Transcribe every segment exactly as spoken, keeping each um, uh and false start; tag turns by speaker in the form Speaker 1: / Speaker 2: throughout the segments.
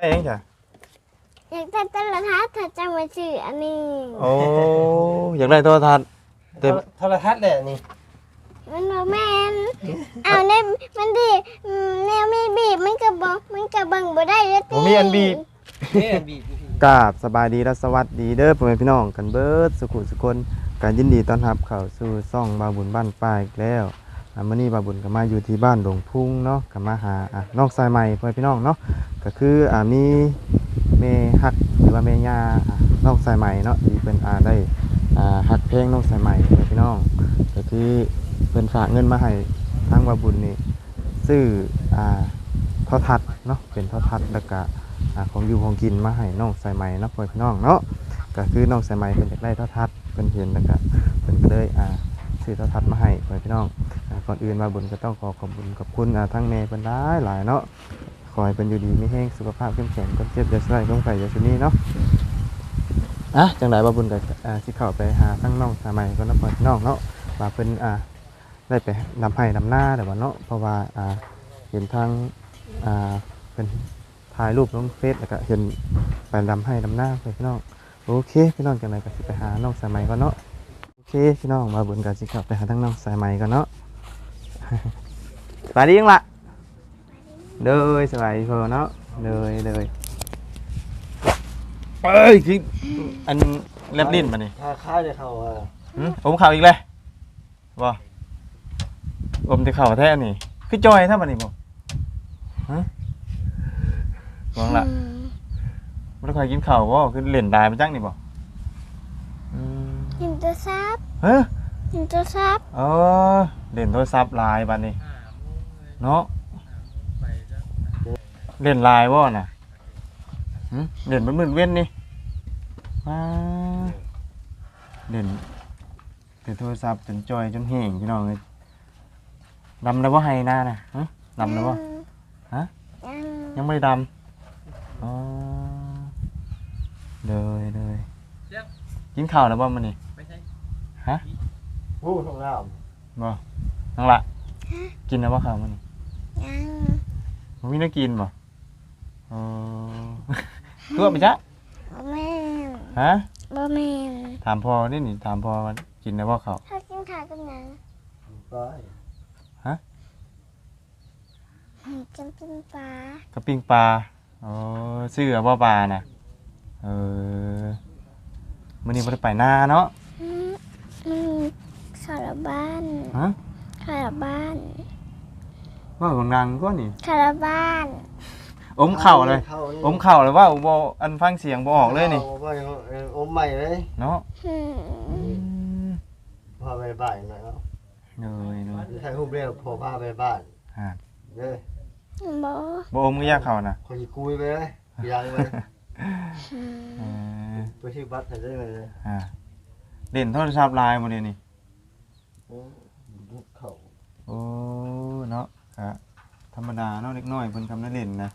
Speaker 1: ได้ยังจ้ะ
Speaker 2: อยากได้โทรทัศน์ถ้าจะมาซื้ออันนี้
Speaker 1: โอ้อยากได้โทรทัศน์แต่
Speaker 3: โทรทัศน์แหละนี่
Speaker 2: มันบ่แม่นเอาแน่มันดิแนวมีบีบมันก็บ่มันก็เบิ่งบ่ได้เด้อติ
Speaker 1: บ่มีอันบีบ
Speaker 3: นี่อันบีบอยู่พี่
Speaker 1: กราบสบายดีและสวัสดีเด้อพ่อแม่พี่น้องกันเบิดสุขุสุคนการยินดีต้อนรับเข้าสู่ช่องบาบุญบ้านป่าอีกแล้วอ่ามื้อนี้บาบุญก็มาอยู่ที่บ้านหลวงพุ่งเนาะก็มาหาอ่ะน้องสายใหม่พ่อแม่พี่น้องเนาะก็คืออ่ามีแม่ฮักหรือว่าแม่ย่าอ่ะน้องสายใหม่เนาะที่เพิ่นอ่าได้อ่าฮักเพลงน้องสายใหม่พ่อแม่พี่น้องก็คือเพิ่นฝากเงินมาให้ทางบาบุญนี่ซื้ออ่าโทรทัศน์เนาะเป็นโทรทัศน์แล้วก็ของอยู่ของกินมาให้น้องสายไหมเนาะพ่อพี่น้องเนาะก็คือน้องสายไหมเพิ่นอยากได้โทรทัศน์เพิ่นเห็นแล้วก็เพิ่นก็เลยอ่าซื้อโทรทัศน์มาให้พ่อพี่น้องอ่าก่อนอื่นมาบุญก็ต้องขอขอบคุณขอบคุณอ่าทั้งแม่เพิ่นหลายหลายเนาะขอให้เพิ่นอยู่ดีมีแรงสุขภาพเข้มแข็งคนเจ็บอย่าใส่ต้องไข่อย่าซุนี้เนาะอ่ะจังได๋บ่บุญก็อ่าสิเข้าไปหาทั้งน้องสายไหมก่อนเนาะพ่อพี่น้องเนาะว่าเพิ่นอ่าได้ไปนำให้นำหน้าแต่ว่าเนาะเพราะว่าอ่าเห็นทางอ่าเป็นถ่ายรูปลงเฟซแล้วก็เห็นไปดำให้ดำหน้าไปพี่น้องโอเคพี่น้องจังไรก็สิไปหาน้องสายไหมก่อนเนาะโอเคพี่น้องมาบุญกันสิครับไปหาทั้งน้องสายไหมก่อนเนาะ สวัสดียังล่ะเด้อสบายดีพอเนาะเด้อเด้อเอ้ยคืออันเล็บลิ้นมานี่
Speaker 3: ถ้าข้าวจะเข้าอ่ะ
Speaker 1: หืมอมเข่าอีกเลยบ่อมจะเข่าแท้นี่คือจอยถ้ามันนี่บ่ฮะมองละไม่ได้เคยกินข้าวบ่คือเล่นได้มาจังนี่บ่
Speaker 2: กินตัวซับ
Speaker 1: เฮ้ย
Speaker 2: กินตัวซับ
Speaker 1: เออเล่นโทรศัพท์ลายบัดนี้เนาะเล่นลายบ่น่ะหึเล่นมันมืดเว้นนี่มาเล่นเล่นโทรศัพท์จนจอยจนแห้งพี่น้องเอ้ยดำแล้วบ่ให้หน้าน่ะฮะดำแล้วบ่ฮะยังไม่ดำอ๋อเลยเลยกินข้าวแล้วบ่มันนี่ฮะ
Speaker 3: ผู้ทองน้
Speaker 1: บ่นั่งละกินแล้วบ่ข้าวมันนี่
Speaker 2: ยัง
Speaker 1: มันมีน้ำกินบ่อ๋อตัวไปจ้ะ
Speaker 2: บ่แม่น
Speaker 1: ฮะ
Speaker 2: บ่แม่น
Speaker 1: ถามพ่อนี่นี่ถามพ่อมันกินแล้วบ่ข้าว
Speaker 2: ถ้ากินข้าวกับหยัง
Speaker 3: ำร้อย
Speaker 1: ฮะ
Speaker 2: กินปิ้งปลา
Speaker 1: กับปิ้งปลาอ๋อซื้อเอาบ่ปลาน่ะเออมื้อนี้บ่ได้ไปนาเนาะ
Speaker 2: อืมอืมข้าวละบ้าน
Speaker 1: ฮะ
Speaker 2: ข้าวละบ้าน
Speaker 1: ว่าของนางก็นี่
Speaker 2: ข้าวละบ้าน
Speaker 1: อมเข่าเลยอมเข่าเลยว่าบ่อันฟังเสียงบ่ออกเลยนี่
Speaker 3: อมใหม่เลย
Speaker 1: เนาะ
Speaker 3: พาไปบ้านหน่อยเนาะ
Speaker 1: เลยเลย
Speaker 3: ใช้รูปเรียกพอพาไปบ้าน
Speaker 1: ฮะ
Speaker 3: เด้อ
Speaker 2: บ่
Speaker 1: บ่อมก็ยากเข่าน่ะ
Speaker 3: คนสิคุยไปเลยยังเลยตัวชื่อบัตรได้เลย
Speaker 1: ฮะเล่นโทรศัพท์ไลน์บ่นี่นี่
Speaker 3: โอ้เขา
Speaker 1: โอ้เนาะฮะธรรมดาเนาะเล็กน้อยเพิ่นทำได้เล่นนะ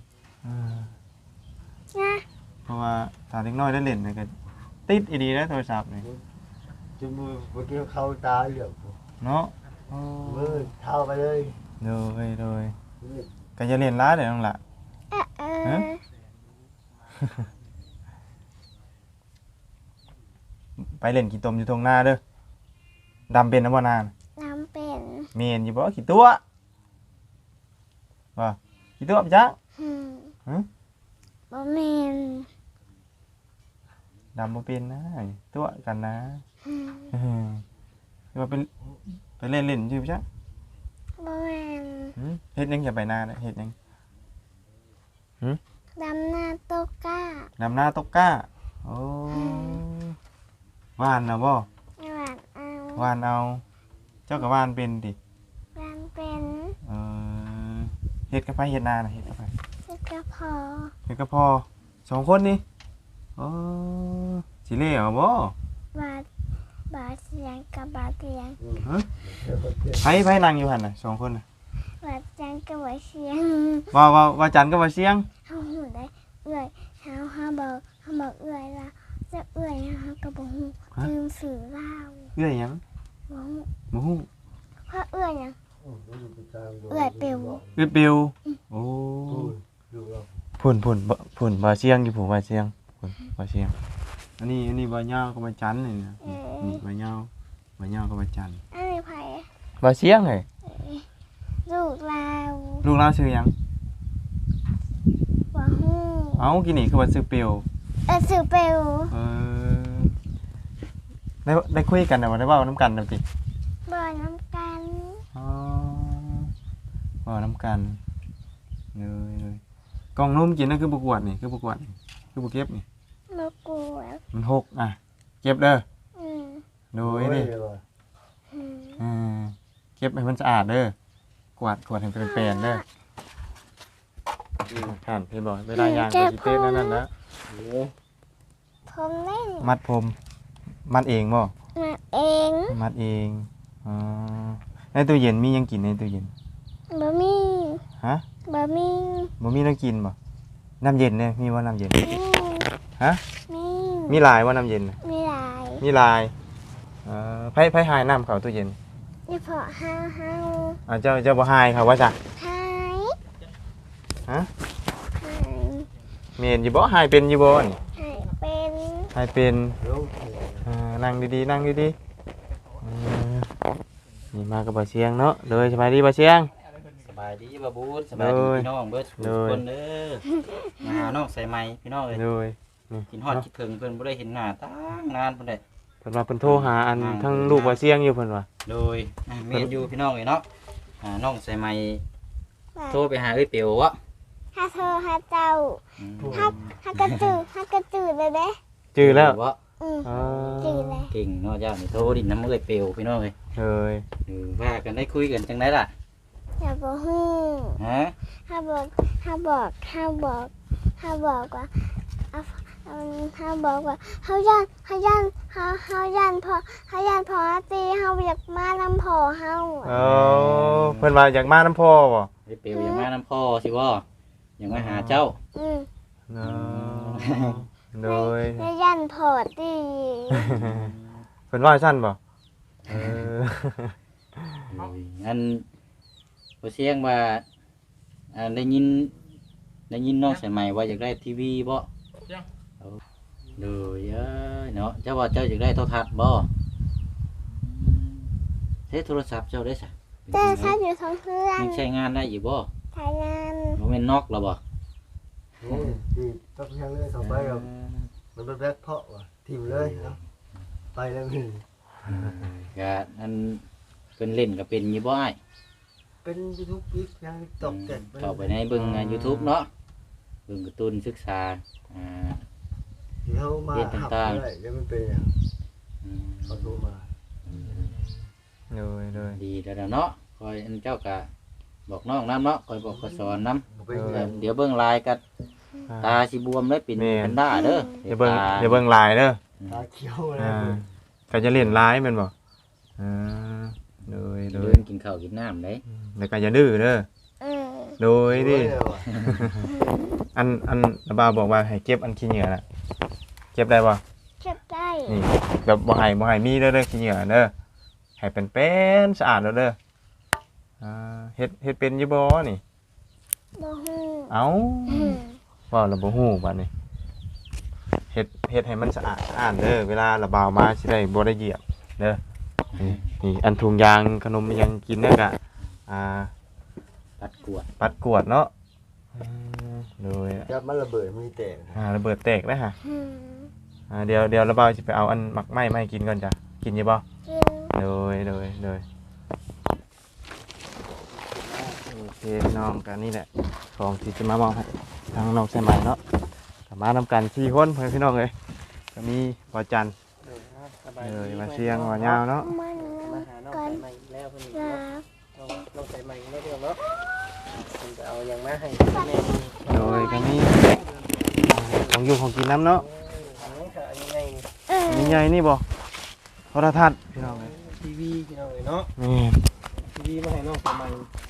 Speaker 1: เพราะว่าถ้าเล็กน้อยได้เล่นนี่ก็ติดอีดีนะโทรศัพท์นี่
Speaker 3: จมือเมื่อกี้เข้าตาเหลือง
Speaker 1: เนาะ
Speaker 3: มือเท้าไปเลย
Speaker 1: เลยเลยก็จะเล่นร้ายเดี๋ยวนั่นล่ะฮะไปเล่นกี่ตมอยู่ตรงหน้าเด้อดำเป็นนะบ่นาน
Speaker 2: ดำเป็น
Speaker 1: เมียนอยู่บ่กี่ตัวว่ากี่ตัวจ๊ะ
Speaker 2: ฮะบ่แม่น
Speaker 1: ดำบ่เป็นนะตัวกันนะคือว่าเป็นไปเล่นเล่นอยู่จ๊ะ
Speaker 2: บ่แม่น
Speaker 1: เฮ็ดยังจะไปหน้าน่ะเฮ็ดยังหึ
Speaker 2: ดำหน้าตกก้า
Speaker 1: ดำหน้าตกก้าโอ้วานน่ะบ่
Speaker 2: วานเอา
Speaker 1: วานเอาเจ้าก็วานเป็นติ
Speaker 2: วานเป็น
Speaker 1: เออเฮ็ดกับไผเฮ็ดนาน่ะเฮ็ดกับไผ
Speaker 2: เฮ็ดกับพ่อ
Speaker 1: เฮ็ดกับพ่อสองคนนี่โอ้สิเล่เอาบ่
Speaker 2: บาดบาดเสียงกับบาดเสียง
Speaker 1: ฮะไผไผนั่งอยู่หั่นน่ะสองคนน่ะ
Speaker 2: บาดจังกับบาดเสียง
Speaker 1: ว่าว่าว่าจันกับว่าเสียง
Speaker 2: เฮาฮู้ได้เอื้อยเฮาเฮาบอกเฮาบอกเอื้อยล่ะจะเอื้อยเฮาก็บ่ฮู้ลืมสื่อลาว
Speaker 1: เอื้อยหยัง
Speaker 2: บ่ฮู้
Speaker 1: บ่ฮู้
Speaker 2: เพราะเอื้อยหยังเอื้อยเปียว
Speaker 1: เอื้อยเปียวโอ้พุ่นพุ่นบ่พุ่นบ่เชียงอยู่ผู้บ่เชียงพุ่นบ่เชียงอันนี้อันนี้บ่ยาวก็บ่จันนี่นะนี่บ่ยาวบ่ยาวก็บ่จัน
Speaker 2: อันนี้ไผ
Speaker 1: บ่เชียงเอ้ย
Speaker 2: ลูกเรา
Speaker 1: ลูกเราชื่อหยัง
Speaker 2: บ่ฮู้
Speaker 1: เอ้ากินนี่คือว่าชื่อเปียว
Speaker 2: เออสื่อเปลว
Speaker 1: เออได้ได้คุยกันน่ะบ่ได้เว้านํกันน่ะติ
Speaker 2: บ่อน้ำกัน
Speaker 1: อ๋อเว้านํกันเลยเลยกล่องนมกินนั่นคือบ่กวดนี่คือบ่กวดนี่คือบ่เก็บนี่
Speaker 2: มากลัว
Speaker 1: มันหกอ่ะเก็บเด้อ
Speaker 2: อืม
Speaker 1: โดยนี่
Speaker 2: อืม
Speaker 1: อ่าเก็บให้มันสะอาดเด้อกวาดกวาดให้เป็นแปลนเด้อผ่านพี่บอกเวลายางก็สิเต้นนั่นนั่นนะ
Speaker 2: ผมเล่น
Speaker 1: มัดผมมัดเองบ่
Speaker 2: มาเอง
Speaker 1: มัดเองอ๋อในตู้เย็นมีหยังกินในตู้เย็น
Speaker 2: บะหมี่
Speaker 1: ฮะ
Speaker 2: บะหมี่
Speaker 1: บ่มีน้ำกินบ่น้ำเย็นเนี่ยมีว่าน้ำเย็น
Speaker 2: มี
Speaker 1: ฮะ
Speaker 2: มี
Speaker 1: มีหลายว่าน้ำเย็นน่ะ
Speaker 2: มีหลาย
Speaker 1: มีหลายเอ่อไผไผหายน้ำเข้าตู้เย็น
Speaker 2: เฉพาะห้าห้า
Speaker 1: อ่าเจ้าเจ้าบ่หายครับว่าจ้ะ
Speaker 2: หาย
Speaker 1: ฮะ
Speaker 2: หาย
Speaker 1: เมนอยู่บ่หายเป็นอยู่บ่นี่
Speaker 2: หายเป็น
Speaker 1: หายเป็น
Speaker 3: ลูก
Speaker 1: อ่านั่งดีๆนั่งดีๆอ่านี่มากับบ่เชียงเนาะเลยสบายดีบ่เชียง
Speaker 4: สบายดีบ่บูดสบายดีพี่น้องเบิดทุก
Speaker 1: โดย
Speaker 4: คนเด้อมาหาน้องใส่ไม้พี่น้องเอ้ย
Speaker 1: เลยนี่
Speaker 4: กินฮอดคิดถึงเพิ่นบ่ได้เห็นหน้าตั้งนานเพิ่นได้
Speaker 1: เพิ่นว่าเพิ่นโทรหาอันทั้งลูกบ่เชียงอยู่เพิ่นว่า
Speaker 4: โดยอ่ะแม่นอยู่พี่น้องเอ้ยเนาะหาน้องใส่ไม้
Speaker 2: ว่า
Speaker 4: โทรไปหาเอ้ยเปียววะ
Speaker 2: ถ้าเธอหาเจ้า
Speaker 4: อืม
Speaker 2: ถ้าถ้ากระจืดถ้ากระจืดเลยเด้
Speaker 1: จื้อแล้ว
Speaker 4: วะ
Speaker 2: อืม
Speaker 1: อ่า
Speaker 2: จืดเลย
Speaker 4: เก่งเนาะเจ้านี่โทรดินน้ำเอ้ยเปียวพี่น้องเอ้ย
Speaker 1: เลย
Speaker 4: เออว่ากันได้คุยกันจังไดล่ะ
Speaker 2: อย่าบอกฮู้
Speaker 4: ฮะ
Speaker 2: ถ้าบอกถ้าบอกถ้าบอกถ้าบอกว่าเอาเอาถ้าบอกว่าเฮาย่านเฮาย่านเฮาเฮาย่านพอเฮาย่านพอตีเฮาอยากมานำพอเฮา
Speaker 1: เออเพิ่นว่าอยากมาน้ำพ่อบ่
Speaker 4: เอ้ยเปียวยังมาน้ำพ่อสิบ่ยังมาหาเจ้า
Speaker 2: อืม
Speaker 1: เนาะเลย
Speaker 2: เฮาย่านพอตี
Speaker 1: เพิ่นว่าซั่นบ่เออ
Speaker 4: โอ้ยอันบ่เสียงว่าอ่าได้ยินได้ยินน้องใส่ใหม่ว่าอยากได้ทีวีบ่เอาเลยเอ้ยเนาะเจ้าว่าเจ้าอยากได้โทรทัศน์บ่เฮ้โทรศัพท์เจ้าได้ซะ
Speaker 2: เจ้าชาอยู่ท้องเพื่อน
Speaker 4: ยังใช้งานได้อยู่บ่
Speaker 2: ทายงาน
Speaker 4: บ่แม่นนอกแล้วบ่
Speaker 3: นี่ดีต้องยังเลยสองใบกับมันเป็นแบล็คเพาะว่ะทิมเลยเนาะไปแล้วมึง
Speaker 4: ก็อันเพิ่นเล่นก็เป็นอยู่บ่อ้าย
Speaker 3: เป็นยูทูบอีกยังตกเจ็ด
Speaker 4: เข้าไปในเบิ่งอ่า YouTube เนาะเบิ่งการ์ตูนศึกษาอ่า
Speaker 3: ที่เขามาหับเลยแล้วมันเป็นอย่าง
Speaker 4: อืม
Speaker 3: เขาโทรมา
Speaker 1: เลยเลย
Speaker 4: ดีแล้วเนาะคอยอันเจ้าก็บอกน้องนำเนาะคอยบอกคอยสอนนำ
Speaker 3: เป็น
Speaker 4: เออเดี๋ยวเบิ่งลายกันตาสิบวมเลยเป็นเป็นด้าเด้อ
Speaker 1: อย่าเบิ่ง
Speaker 4: ต
Speaker 1: อย่าเบิ่งลายเด้อ
Speaker 3: ตาเขียวอะไร
Speaker 1: อ่าก็จะเล่นลายแม่นบ่อ่าเลยเล
Speaker 4: เดิ
Speaker 1: ย
Speaker 4: นกินข้าวกินน้ำเลย
Speaker 1: แล้วก็อย่าดื้อเด้อ
Speaker 2: อืม
Speaker 1: โดยดิอันอันระบาวบอกว่าให้เก็บอันขี้เหงื่อน่ะเก็บได้บ่
Speaker 2: เก็บได้
Speaker 1: นี่แบบบ่ให้บ่ให้มีเด้อเด้อขี้เหงื่อเด้อให้เป็นเป็นสะอาดแล้วเด้ออ่าเฮ็ดเฮ็ดเป็นอยู่บ่นี่
Speaker 2: บ่ฮู้
Speaker 1: เอ้า
Speaker 2: อืม
Speaker 1: เว้าแล้วบ่ฮู้บัดนี้เฮ็ดเฮ็ดให้มันสะอาดสะอาดเด้อเวลาระบาวมาสิได้บ่ได้เหยียบเด้อนี่นี่อันถุงยางขนมอิหยังกินเนี่ยก็อ่า
Speaker 4: ปัดกวด
Speaker 1: ปัดกวดเนาะอืมโดย
Speaker 3: จับมันระเบิดมันแตก
Speaker 1: อ่าระเบิดแตกนะฮะ
Speaker 2: อืม
Speaker 1: อ่าเดี๋ยวเดี๋ยวระบาวจะไปเอาอันหมักไหม้มาให้กินก่อนจ้ะกินอยี่บ่
Speaker 2: กิน
Speaker 1: โดยโดยโดยโอเคพี่น้องกันนี่แหละของที่จะมามอบให้ทางน้องใส่ใหม่เนาะกลับมานำกันสี่คนเพื่อนพี่น้องเลยก็มีปอจันทร์เลยมาเชียงหัวยาวเนาะ
Speaker 2: มัน
Speaker 5: มาหาน้อง
Speaker 2: ก่อน
Speaker 5: ใส่ใหม่อีกแล้วเพิ่น
Speaker 2: ลา
Speaker 5: น้องน้องใส่ใหม่ไม่เรื่องเนาะเพิ่นจะเอาอย่างมาให้แม่
Speaker 1: โดยก็มีของอยู่ของกินน้ำเนาะ
Speaker 5: อันนี้ค่ะอันนี้ไงนี่
Speaker 2: เออ
Speaker 1: มีใหญ่นี่บ่โทรทัศน์พี่น้องเลย
Speaker 5: ทีวีพี่น้องเอ้ยเนาะ
Speaker 1: นี่
Speaker 5: ทีวีมาให้น้องใส่ใหม่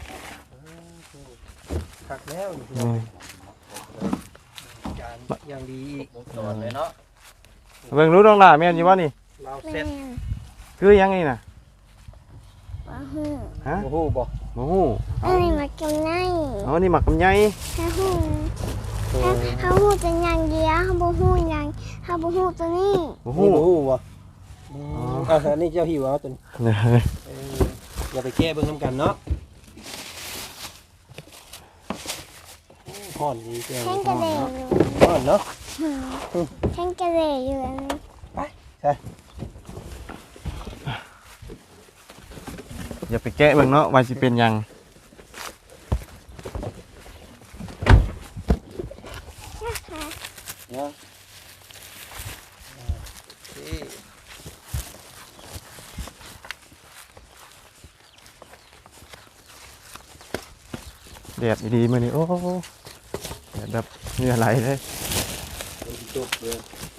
Speaker 5: คักแล้วนี่พี่น้อง
Speaker 1: นี่
Speaker 5: จานอย่างดีอีก
Speaker 4: สอนเลยเนาะ
Speaker 1: เบิ่งรู้น้องหล่าแม่นอยู่บ่นี่
Speaker 5: เรา
Speaker 2: แม่
Speaker 5: เซ็ต
Speaker 1: คือหยังนี่น่ะ
Speaker 2: บ่ฮู้
Speaker 1: ฮะ
Speaker 5: โอ้โหบอก
Speaker 1: บ่ฮู้
Speaker 2: อันนี้มากินได้
Speaker 1: เอานี่หมักกับไย
Speaker 2: ถ้าฮู้
Speaker 5: โอ้
Speaker 2: เฮาฮู้แต่อย่างเดียวเฮาบ่ฮู้หยังเฮาบ่ฮู้ตัวนี้
Speaker 1: โอ้โห
Speaker 5: นี่บ่ฮู้บ่อืมอ่าอันนี้เจ้าหิวเอาจน
Speaker 1: เนี่ย
Speaker 5: เอออย่าไปแก้เบิ่งนํกันเนาะฮ้อนดีแก้ว
Speaker 2: แข่งกระเดยอยู่
Speaker 5: ฮ้อนเนาะ
Speaker 2: แข่งกระเดยอยู่อันนี้
Speaker 1: อย่าไปแกะเบิ่งเนาะว่าสิเป็นหยัง
Speaker 5: เนาะนี่
Speaker 1: แดดดีๆมื้อนี้โอ้แดดแบบเหงื่อไหลเลย
Speaker 5: เป็นจบเลย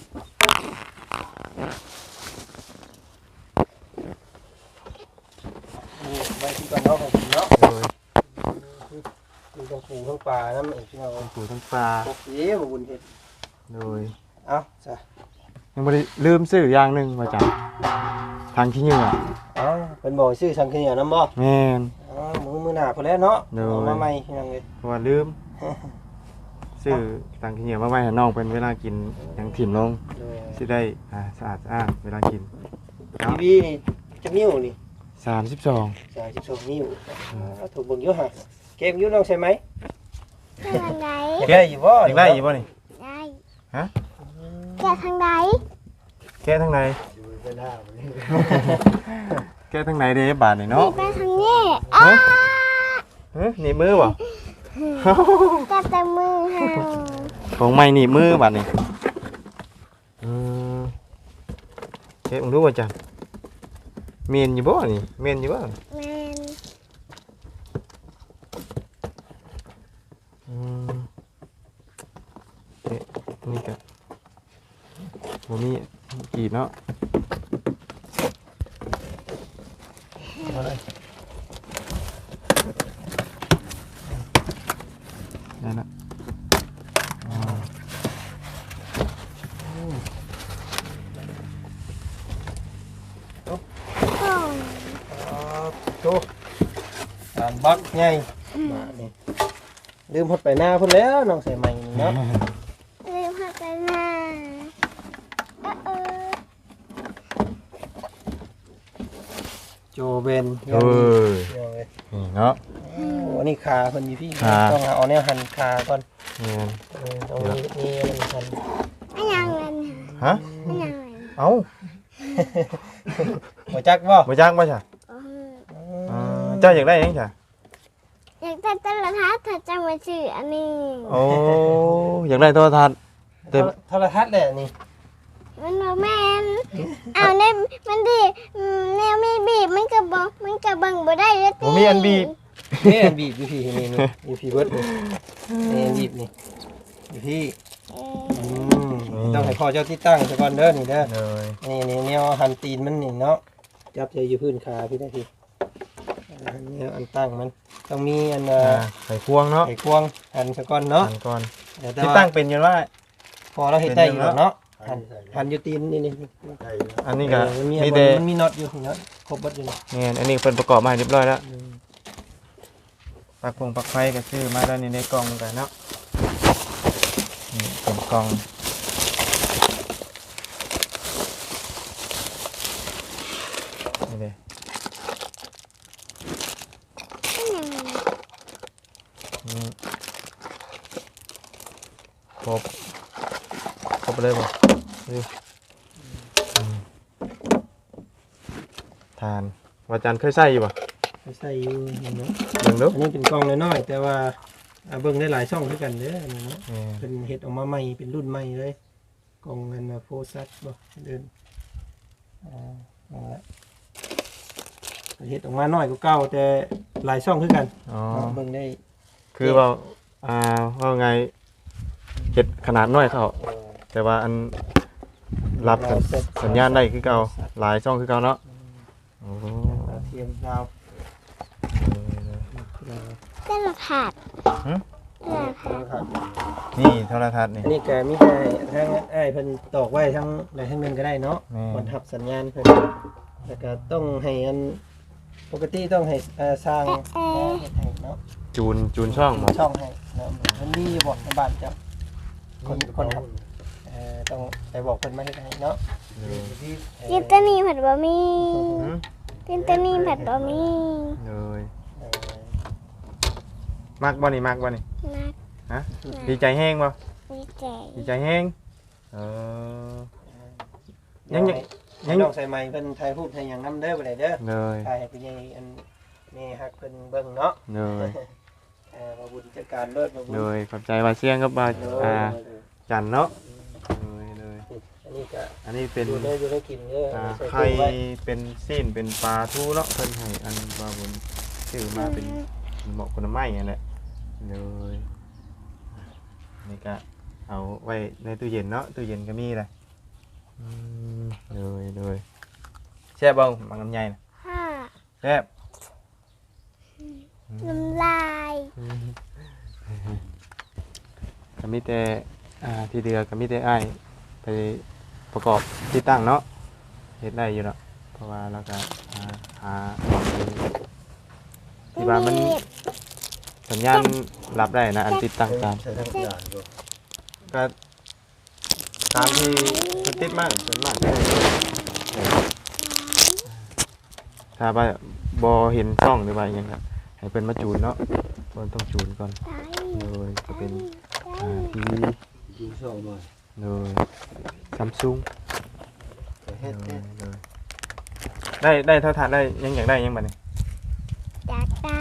Speaker 5: นี่ไว้ที่ก่อนเนาะของผมเนาะ
Speaker 1: โดย
Speaker 5: มีทั้งปูทั้งปลาน้ำอีกพี่น้อง
Speaker 1: ทั้งปูทั้งปลา
Speaker 5: โอเคมาบุญเฮ็ด
Speaker 1: โดย
Speaker 5: เอาจ้ะ
Speaker 1: ยังบ่ได้ลืมซื้ออย่างหนึงว่าจังทางขี้เหงื่อ
Speaker 5: เอาเป็นบ่อซื้อสังเกตน้ำบ่
Speaker 1: แม่น
Speaker 5: เอามือมือหนาพอแล้วเนาะ
Speaker 1: โดย
Speaker 5: เอามาใหม่พี่น้องเลย
Speaker 1: เพราะว่าลืมซื้อทางขี้เหงื่อมาไว้ให้น้องเป็นเวลากินหยังถิ่มลง
Speaker 5: โดย
Speaker 1: สิได้อ่าสะอาดสะอ้านเวลากิน
Speaker 5: ทีวีนี่จะนิ้วนี่
Speaker 1: สามสิบสอง
Speaker 5: สามสิบสองนิ้วเอาถูกเบิ่งอยู่ฮะเกมอยู่น้องใช่ไหม
Speaker 2: แข่งทางใด
Speaker 5: อยากได้อยู่บ่
Speaker 1: ยังได้อยู่บ่นี่
Speaker 2: ได้
Speaker 1: ฮะ
Speaker 2: แกะทางใด
Speaker 1: แก้ทางไหน
Speaker 3: อยู่ไปหน้าบ่นี่
Speaker 1: แก้ทางไหนเด้บาดนี่
Speaker 2: นี่
Speaker 1: เนาะ
Speaker 2: ไปทางนี้อ้า
Speaker 1: เฮ้ยหนีบมือบ่
Speaker 2: แกะแต่มือเฮา
Speaker 1: ของใหม่หนีบมือบาดนี่อืมเอ๊ะมึงรู้ว่าจังเมนอยู่บ่นี่เมนอยู่บ่
Speaker 2: แม่น
Speaker 1: อืมเอ๊ะนี่ก็บ่มีกีบเนาะได้ละอ๋อ
Speaker 2: โอ้ย
Speaker 5: อ๋อโตตามบักใหญ่มานี่ลืมหดไปหน้าพุ่นแล้วน้องใส่ใหม่นี่เนาะ
Speaker 2: ลืมหักไปหน้าเออเออ
Speaker 5: โจเบน
Speaker 1: เอ้ย
Speaker 5: พี่น้องเอ้ย
Speaker 1: นี่เนาะ
Speaker 5: โอ้อันนี้ขาเพิ่นอยู่พี่
Speaker 1: ขา
Speaker 5: ต้องเอาแนวหันขาก่อน
Speaker 1: แม่น
Speaker 5: เออต้องมีมีมันหัน
Speaker 2: อันยังเงิน
Speaker 1: ฮะ
Speaker 2: อันยังเงิน
Speaker 1: เอ้า
Speaker 5: บ่จักบ่
Speaker 1: บ่จ้างบ่จ้ะ
Speaker 2: โอ้ย
Speaker 1: อ่าเจ้าอยากได้หยังจ้ะ
Speaker 2: อยากได้โทรทัศน์ถ้าจะมาซื้ออันนี้
Speaker 1: โอ้อยากได้โทรทัศน์ เต็ม
Speaker 5: โทรทัศน์แหละนี่
Speaker 2: มันบ่แม่นเอาแนวมันดิอืมแนวมีบีบมันก็บ่มันก็เบิ่งบ่ได้เลยติ
Speaker 1: บ่มีอันบีบ
Speaker 5: นี่อันบีบอยู่พี่นี่นี่อยู่พี่เบิดนี่นี่อันบีบนี่อยู่พี่
Speaker 2: เออ
Speaker 5: อืมต้องให้พ่อเจ้าที่ตั้งซะก่อนเด้อนี่เด้อ
Speaker 1: เลย
Speaker 5: นี่นี่แนวหันตีนมันนี่เนาะจับใจอยู่พื้นขาพี่ได้พี่แนวอันตั้งมันต้องมีอันเอ่
Speaker 1: อ่า
Speaker 5: อ
Speaker 1: ใส่ควงเนาะ
Speaker 5: ไอ้ควงหันซะก่อนเนาะ
Speaker 1: หันก่อน
Speaker 5: เดี๋ยวแต่
Speaker 1: ที่
Speaker 5: ว่า
Speaker 1: ตั้งเป็นอยู่ว่า
Speaker 5: พอเราเฮ็ดได้อยู่แล้วเนาะหันหันอยู่ตีนนี่นี่
Speaker 3: ใช่นะ
Speaker 1: อันนี้ก็
Speaker 5: เออมันมี
Speaker 1: มีแต่
Speaker 5: มันมีน็อตอยู่เนาะครบหมดอยู่นี่
Speaker 1: เนี่ยอันนี้เป็นประกอบมาให้เรียบร้อยแล้วปลักพงปลักไฟก็ซื้อมาแล้วนี่ในกล่องกันเนาะนี่เป็นกล่องนี่เลย
Speaker 2: อันยังเงิน
Speaker 1: นี่ครบครบเลยบ่ดูอืมทานวาจันเคยใส่อยู่ป่ะ
Speaker 5: ใส่อยู่นี่เนาะ
Speaker 1: เบิ่งดู
Speaker 5: อันนี้เป็นกล้องน้อยๆแต่ว่าอ่าเบิ่งได้หลายช่องด้วยกันเด้ออันนี้เนาะ
Speaker 1: นี่
Speaker 5: เป็นเฮ็ดออกมาใหม่เป็นรุ่นใหม่เลยกล้องเงินโฟซัสบ่เดินอ่านั่นแหละเฮ็ดออกมาน้อยกว่าเก่าแต่หลายช่องคือกัน
Speaker 1: อ๋อ
Speaker 5: เนาะเบิ่งได้
Speaker 1: คือว่าอ่าว่าไงเห็ดขนาดน้อยเขาแต่ว่าอันรับสัญสัญญาณได้คือเก่าหลายช่องคือเก่าเนาะโอ้โห
Speaker 5: ดาวเทียมดาว
Speaker 2: โทรทัศน์โทรทัศน์
Speaker 1: นี่โทรทัศน์นี่
Speaker 5: อันนี้ก็มีแต่ทั้งไอ้ายเพิ่นตอกไว้ทั้งใดทั้งหนึงก็ได้เนาะ
Speaker 1: แม่
Speaker 5: คนทับสัญญาณเพิ่นแล้วก็ต้องให้อันปกติต้องให้เอ่อสร้างเฮ็ดให้เนาะ
Speaker 1: จูนจูนช่องหมด
Speaker 5: ช่องให้เนาะมันมีอยู่บ่ในบ้านเจ้าคนคนครับเอ่อต้องไปบอกเพิ่นมาเฮ็ดให้เนาะ
Speaker 2: กินตัวนี้ผัดบะหมี่
Speaker 1: หืม
Speaker 2: กินตัวนี้ผัดบะหมี่
Speaker 1: เลย
Speaker 5: เอ่อ
Speaker 1: มักบ่นี่มักบ่นี่
Speaker 2: นัก
Speaker 1: ฮะดีใจแห้งบ่
Speaker 2: ดีใจ
Speaker 1: ดีใจแห้งเออ ยั
Speaker 5: ยัง ง
Speaker 1: ยั
Speaker 5: ยัง งน้องใส่ไม้เพิ่นถ่ายรูปให้หยังนำเด้อบ่ได้เด้อ
Speaker 1: เลย
Speaker 5: ถ่ายให้พี่ใหญ่อันแม่ฮักเพิ่นเบิ่งเนาะ
Speaker 1: เลย
Speaker 5: เอ่อบ่บุญจัดการเลิศบ่บุญ
Speaker 1: เลยขอบใจว่าเสียงกับว่า
Speaker 5: เด้
Speaker 1: อ่า
Speaker 5: อ
Speaker 1: จันเนาะเลยเลย
Speaker 5: อันนี้ก็
Speaker 1: อันนี้เป็น
Speaker 5: อยู่ได้อยู่ได้กินเด้อ
Speaker 1: อ่า
Speaker 5: ใส่
Speaker 1: ไข่
Speaker 5: ตู้ไว้
Speaker 1: เป็นซีนเป็นปลาทูเนาะเพิ่นให้อันว่าบนชื่อมาเป็นเหมาะคนละไม้นั่นแหละเลยนี่ก็เอาไว้ในตู้เย็นเนาะตู้เย็นก็มีเลยอืมเลยเลยแซ่บบ่มังลำไยน่ะ
Speaker 2: ค่ะ
Speaker 1: แซ่บ
Speaker 2: น้ำลาย
Speaker 1: ก็มีแต่อ่าที่เดือก็มีแต่อ้ายไปประกอบที่ตั้งเนาะเฮ็ดได้อยู่เนาะเพราะว่าเราก็อ่าหาที่บ้านมันสัญญาณรับได้นะอันติดตั้งตาม
Speaker 3: ใช้ทั้งอย่างอยู่
Speaker 1: ก็ตามที่มันติดมากส่วนมากก็ถ้าว่าบ่เห็นช่องหรือว่าอหยังก็ให้เพิ่นมาจูนเนาะเพิ่นต้องจูนก่อน
Speaker 2: ได้
Speaker 1: เลยจะเป็น
Speaker 2: ได้
Speaker 1: อ่าทีวี
Speaker 3: ดูช่องหน่อย
Speaker 1: เลยซัมซุง
Speaker 3: แต่เฮ็ด
Speaker 1: เล
Speaker 3: เฮ็
Speaker 1: ย
Speaker 3: ด
Speaker 1: เลยได้ได้เท่าทันได้ยังอยากได้ยังบัดนี้
Speaker 2: อยากได้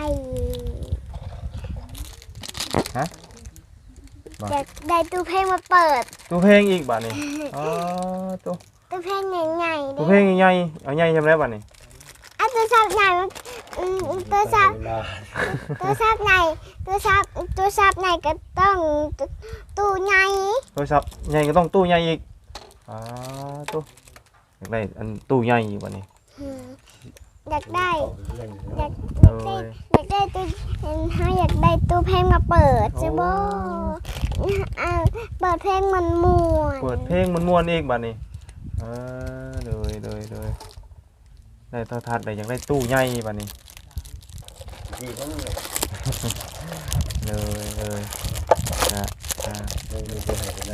Speaker 1: บ่
Speaker 2: อยากได้ตู้เพลงมาเปิด
Speaker 1: ตู้เพลงอีกบัดนี้อ๋อตู้
Speaker 2: ตู้เพลงใหญ่ๆ
Speaker 1: ตู้เพลงใหญ่ๆเอาใหญ่ทำได้บัดนี้
Speaker 2: อ่ะตัวซับใหญ่มันอืมตัวซับ
Speaker 3: เวลา
Speaker 2: ตัวซับใหญ่ตัวซับตัวซับใหญ่ก็ต้องตู้ตู้ใหญ่
Speaker 1: โทรศัพท์ใหญ่ก็ต้องตู้ใหญ่อีกอ๋อตู้อยากได้อันตู้ใหญ่อีกบัดนี้
Speaker 2: อืมอยากได้
Speaker 3: เรื่อง
Speaker 2: อยาก
Speaker 1: เล
Speaker 2: อยากได้
Speaker 1: ย
Speaker 2: อยากได้ตู้เห็นเขาอยากได้ตู้เพลงมาเปิดใช่บ่อ่าเปิดเพลงมันม่วน
Speaker 1: เปิดเพลงมันม่วนอีกบัดนี้เออเลยเลยเลยได้โทรทัศน์ได้อยากได้ตู้ใหญ่บัดนี้
Speaker 3: ดีทั้งเลย
Speaker 1: เลยเลยนะอ่า
Speaker 3: ไม่ไม่จะหายไปหน้า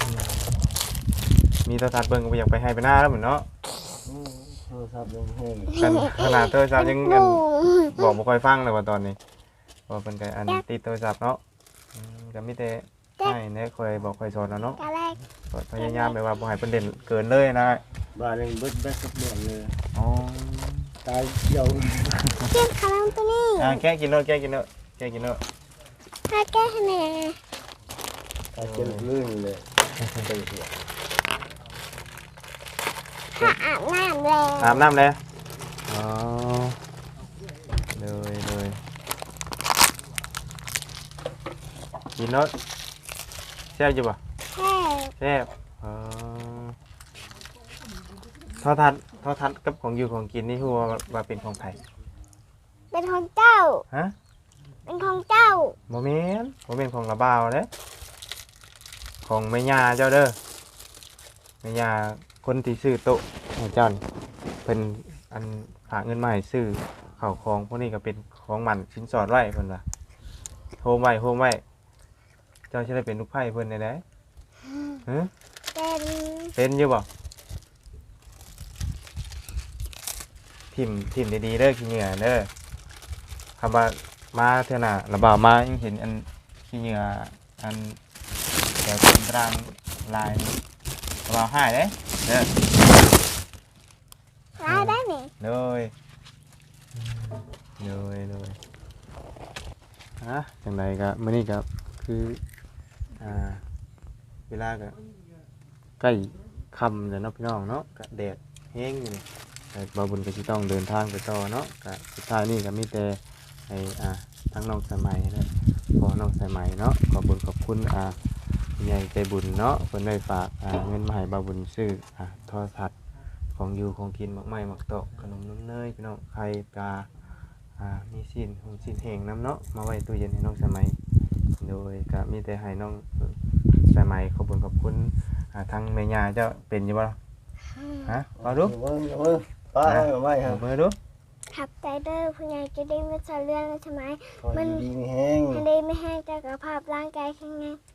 Speaker 1: มีโทรทัศน์เบิ่งก็บ่อยากไปให้ไปหน้าแล้วเหมือนเนาะ
Speaker 3: อืมโทรศัพท์ยังแห้ง
Speaker 1: กันขนาดโทรศัพท์ยัง
Speaker 2: ห
Speaker 1: อัน
Speaker 2: มู
Speaker 1: บอกบ่ค่อยฟังเลยว่าตอนนี้เพราะเป็นไงอันติดโทรศัพท์เนาะอืมก็มีแต่ให้แน่ค่อยบอกค่อยสอนเอาเนาะ
Speaker 2: กะแรก
Speaker 1: ก็พยายามแบบว่าบ่ให้เพิ่นเด่นเกินเลยนะ
Speaker 3: บ้านยังเบิดแบกกับเรื่องเลย
Speaker 1: อ๋อ
Speaker 3: ตายเกี่ยว
Speaker 2: เจ็บขาลังตัวนี้
Speaker 1: อ่าแก้กินเนาะแก้กินเนาะแก้กินเนาะ
Speaker 2: ถ้าแก้คะแนน
Speaker 3: ตายเกี่ยวลื่นเลยไปหัว
Speaker 2: ถ้าอาบน้ำแล้ว
Speaker 1: อาบน้ำเลยอ๋อเลยเลยกินเนาะแซ่บอยู่ป่ะ
Speaker 2: แค่
Speaker 1: แซ่บอ๋อโทอทัศน์โทอทัศน์กับของอยู่ของกินนี่คือว่าว่าเป็นของไทย
Speaker 2: เป็นของเจ้า
Speaker 1: ฮะ
Speaker 2: เป็นของเจ้า
Speaker 1: โมเมนต์โมเมนต์ของระบ่าวเด้ของแม่ย่าเจ้าเด้อแม่ย่าคนที่ซื้อโต๊ะให้เจ้านี่เพิ่นอันฝากเงินมาให้ซื้อข้าวของพวกนี้ก็เป็นของมันชิ้นสอดไว้เพิ่นว่าโฮมไว้โฮมไว้เจ้าสิได้เป็นลูกไผ่เพิ่นได้ไดฮะ
Speaker 2: เป็น
Speaker 1: เป็นอยู่บ่ทิ่มทิ่มดีๆเด้อขี้เหงื่อเด้อคำว่ามาเท่าน่ะระบ่าวมายังเห็นอันขี้เหงื่ออันแต่เป็นตารางลายนี่ระบ่าวหายเด้เด้อ
Speaker 2: ร้ายได้ไหม
Speaker 1: เลยเลยเลยฮะจังไดก็มื้อนี้ก็คืออ่าเวลาก็ใกล้ค่ำแล้วเนาะพี่น้องเนาะก็แดดแห้งอยู่นี่แต่บ่าวบุญก็สิต้องเดินทางไปต่อเนาะก็สุดท้ายนี่ก็มีแต่ให้อ่าทั้งน้องสายไหมัยและขอน้องสายไหมัยเนาะขอบคุญขอบคุณอ่าผู้ใหญ่ใจบุญเนาะเพิ่นได้ฝากอ่าเงินมาให้บ่าวบุญซื้ออ่าโทรทัศน์ของอยู่ของกินหมักไม้หมักโตะขนมนมเนยพี่น้องไข่ปลาอ่ามีสิ้นหงสิ้นแห้งน้ำเนาะมาไว้ตู้เย็นให้น้องสายไหมัยโดยก็มีแต่ให้น้องสายไหมัยขอบคุญขอบคุณอ่าทางแม่ย่าเจ้าเป็นอยู่บ่ล่ะฮะเอาดู
Speaker 3: เมื่อเมื่อป้าเอาไว้ครั
Speaker 1: เอา
Speaker 3: บ
Speaker 1: มือดู
Speaker 2: ขับใจเดอร์ผู้ใหญ่จะได้ไม่สะเรื่องใช่ไหม
Speaker 3: คอยดีมีแห้ง
Speaker 2: ให้ได้ไม่ให้เจ้ากับภาพร่างกายแข็งแรง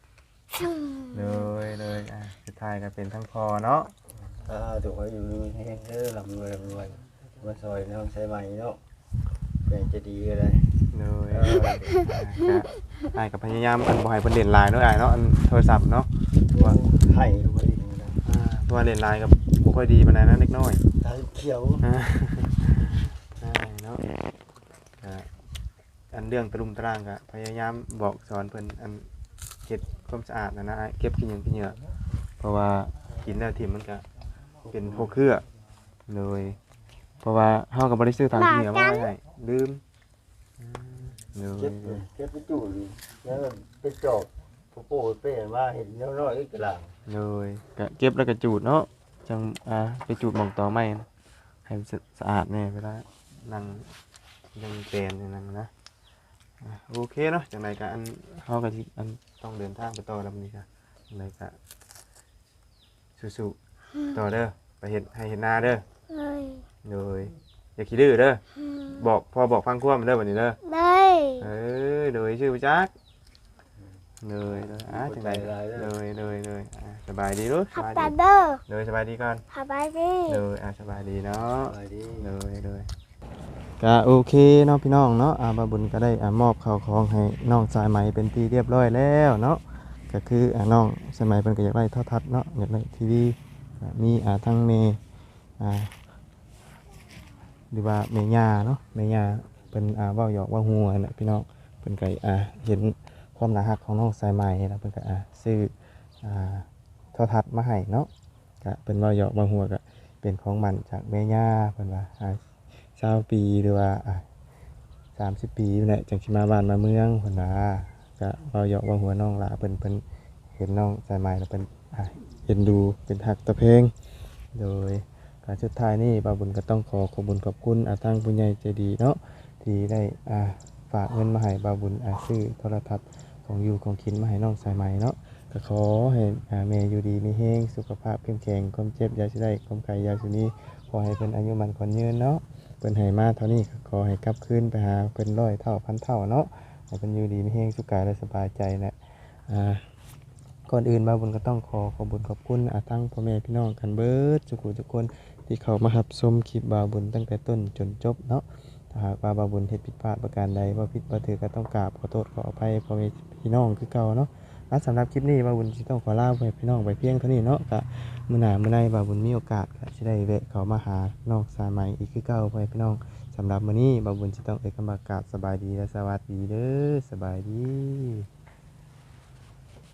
Speaker 2: ชุ่ม
Speaker 1: เลยเลยอ่ะสุดท้ายก็เป็นทั้งพอเนาะ
Speaker 3: อ่าถูกไว้อยู่ดีแห้งเด้อลำรวยลำรวยมาซอยน้องใช้ไหมเนาะเป็นจะดีก็ได้
Speaker 1: เลย
Speaker 3: เอ
Speaker 1: อ่ะ
Speaker 3: อ
Speaker 1: ก็อ้ายก็พยายามอันบ่ให้เพิ่นเล่นไลน์เนาะอ้ายเนาะอันโทรศัพท์เนาะว่า
Speaker 3: ไข่ไว้ดีนะ
Speaker 1: อ่าเพราะว่าเล่นไลน์ก็บ่ค่อยดีปานใดนะเล็กน้อย
Speaker 3: ตาเขียว
Speaker 1: อ่าใช่เนาะก็อันเรื่องตะลุมตะรางก็พยายามบอกสอนเพิ่นอันเก็บความสะอาดนะนะเก็บขี้หยังขี้เหงื่อเพราะว่ากินแล้วทิ่มมันก็เป็นพวกเครือเลยเพราะว่าเฮาก็บ่ได้ซื้อทางขี้เหงื่อมาไว้ให้ลืมอืมเล
Speaker 3: เก็
Speaker 1: ย
Speaker 3: บเลยเก็บไปจู่เลยแล้วก็ไปจอกโปโป้เป้ว่าเห็นน้อยๆกระหลัง
Speaker 1: เลยก็เก็บแล้วก็จูดเนาะจังอ่าไปจูดหม่องต่อไม้นะให้มันสะอาดแน่เวลานั่งยังเป็นอย่างนั้นนะ อ่ะโอเคเนาะจังไรก็อันเฮาก็สิอันต้องเดินทางไปต่อแล้วมื้อนี้ก็จังไรก็สู้ๆต่อเด้อไปเฮ็ดให้เฮ็ดนาเด้อ
Speaker 2: เลย
Speaker 1: โดยอย่าขี้ดื้อเด้อ
Speaker 2: อืม
Speaker 1: บอกพอบอกฟังความเด้อบัดนี้เด้อ
Speaker 2: เลย
Speaker 1: เออโดยชื่อบ่จักเลยเลยอ่ะจังไรเลยเลยเลยอ่ะสบายดีลูกส
Speaker 2: ขับบ
Speaker 1: าย
Speaker 2: ตา
Speaker 1: ดี
Speaker 2: เด้อ
Speaker 1: เลยสบายดีก่อน
Speaker 2: ขับไปดิ
Speaker 1: เลยอ่ะสบายดีเนาะ
Speaker 3: ไปดิ
Speaker 1: เลยเลยก็โอเคเนาะพี่น้องเนาะอ่าบาบุญก็ได้อ่ามอบข้าวของให้น้องสายไหมเป็นที่เรียบร้อยแล้วเนาะก็คืออ่าน้องสายไหมเพิ่นก็อยากได้โทรทัศน์เนาะอยากได้ทีวีอ่ามีอ่าทั้งเมอ่าหรือว่าเมย่าเนาะเมย่าเพิ่นอ่าเว้าหยอกเว่าหัวน่ะพี่น้องเพิ่นก็อ่าเห็นความน่ารักของน้องสายไหมแล้วเพิ่นก็อ่าซื้ออ่าโทรทัศน์มาให้เนาะก็เพิ่นเว้าหยอกเว่าหัวก็เป็นของมันจากเมย่าเพิ่นว่าอ่า เช้าปีหรือว่าอ่ะสามสิบปีนี่แหละจังสิมาบ้านมาเมืองเพิ่นว่าก็เราหยอกว่าหัวน้องหละเพิ่นเพิ่นเห็นน้องสายไหมแล้วเพิ่นอ่ะเอ็นดูเป็นฮักตะเพลงโดยการสุดท้ายนี้บ่าวบุญก็ต้องขอขอบคุญขอบคุณอาทางผู้ใหญ่ใจดีเนาะที่ได้อ่าฝากเงินมาให้บ่าวบุญอ่าซื้อโทรทัศน์ของอยู่ของกินมาให้น้องสายไหมเนาะก็ขอให้อ่าแม่อยู่ดีมีแรงสุขภาพเข้มแข็งความเจ็บอยาสิได้ความไข้อยาสิมีขอให้เพิ่นอายุมั่นขวัญยืนเนาะ เพิ่นให้มาเท่านี้ก็ขอให้กลับคืนไปหาเพิ่นร้อยเท่าพันเท่าเนาะให้เพิ่นอยู่ดีมีแรงสุขกายและสบายใจนะอ่าก่อนอื่นบ่าวบุญก็ต้องขอขอบคุญขอบคุณอาทั้งพ่อแม่พี่น้องกันเบิดทุกผู้ทุกคนที่เข้ามารับชมคลิปบ่าวบุญตั้งแต่ต้นจนจบเนาะถ้าหากว่าบ่าวบุญเฮ็ดผิดพลาดประการใดว่าผิดบ่ถือก็ต้องกราบขอโทษขออภัยพ่อแม่พี่น้องคือเก่าเนาะและสำหรับคลิปนี้บ่าวบุญสิต้องขอลาไปพี่น้องไปเพียงเท่านี้เนาะก็มื้อหน้ามื้อใดบ่าวบุญมีโอกาสก็สิได้แวะเข้ามาหาน้องสายไหมอีกคือเก่าพ่อแม่พี่น้อง สำหรับมื้อนี้บ่าวบุญสิต้องเอ่ยคำว่ากราบสบายดีและสวัสดีเด้อสบายดี